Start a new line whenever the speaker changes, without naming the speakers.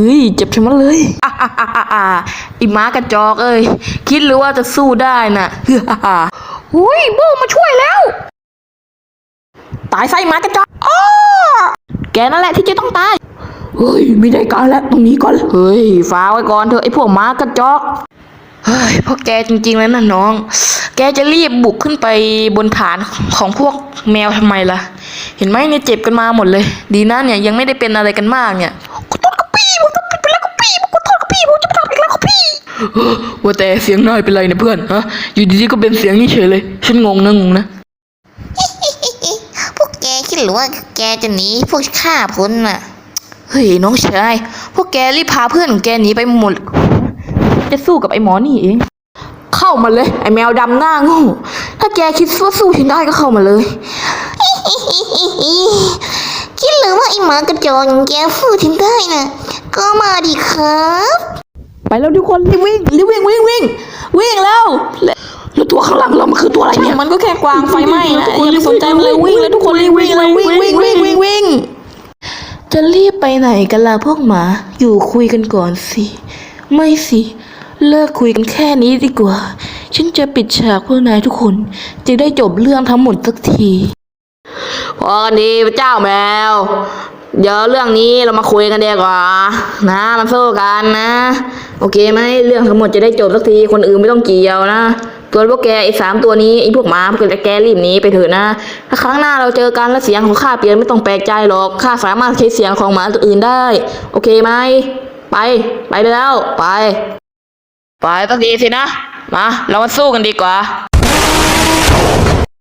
ฮ้ยเจ็บใช่ไหมเลยอีม้ากระจอกเอ้ยคิดหรือว่าจะสู้ได้น่ะหุ้ยโบมาช่วยแล้วตายไส้ม้ากระจอกแกนั่นแหละที่จะต้องตายเฮ้ยไม่ได้การแล้วตรงนี้ก่อนเฮ้ยฟ้าไว้ก่อนเถอะไอ้พวกม้ากระจอกเฮ้ยพวกแกจริงๆแล้วนะน้องแกจะรีบบุกขึ้นไปบนฐานของพวกแมวทำไมล่ะเห็นไหมเนี่ยเจ็บกันมาหมดเลยดีนะเนี่ยยังไม่ได้เป็นอะไรกันมากเนี่ยขอโทษครับพี่ผมทำผิดไปแล้วครับพี่ผมขอโทษครับพี่ผมจะไม่ทำอีกแล้วครับพี่ว่าแต่เสียงนายเป็นไรเนี่ยเพื่อนฮะอยู่ดีๆก็เป็นเสียงนี้เฉยเลยฉันงงนะ
พวกแกคิดหรือว่าแกจะหนีพวกข้าพ้นน่ะ
เฮ้ยน้องชายพวกแกรีบพาเพื่อนของแกหนีไปหมดจะสู้กับไอ้หมอนี่เองเข้ามาเลยไอ้แมวดำหน้าโง่ถ้าแกคิดว่าสู้ฉันได้ก็เข้ามาเลย
คิดหรือว่าไอ้หมากระจอกอย่างแกฟูดถึงได้น่ะก็มาดิครับ
ไปแล้วทุกคนรีบวิ่งแล้วแล้วตัวข้างหลังเรามันคือตัวอะไรเนี่ยมันก็แค่กวางไฟไหม้นะอย่าไปสนใจมันเลยวิ่งแล้วทุกคนรีบวิ่งเลยวิ่งจะรีบไปไหนกันล่ะพวกหมาอยู่คุยกันก่อนสิไม่สิเลิกคุยกันแค่นี้ดีกว่าฉันจะปิดฉากพวกนายทุกคนจะได้จบเรื่องทั้งหมดสักทีพอกันดีพระเจ้าแมวเดี๋ยวเรื่องนี้เรามาคุยกันดีกว่านะมันสู้กันนะโอเคไหมเรื่องทั้งหมดจะได้จบสักทีคนอื่นไม่ต้องเกี่ยวนะตัวพวกแกไอ้3 ตัวนี้ไอ้พวกหมาพวกแกรีบหนีไปเถอะนะถ้าครั้งหน้าเราเจอกันแล้วเสียงของข้าเปลี่ยนไม่ต้องแปลกใจหรอกข้าสามารถใช้เสียงของหมาตัวอื่นได้โอเคไหมไปแล้วไปสักทีสินะมาเรามาสู้กันดีกว่า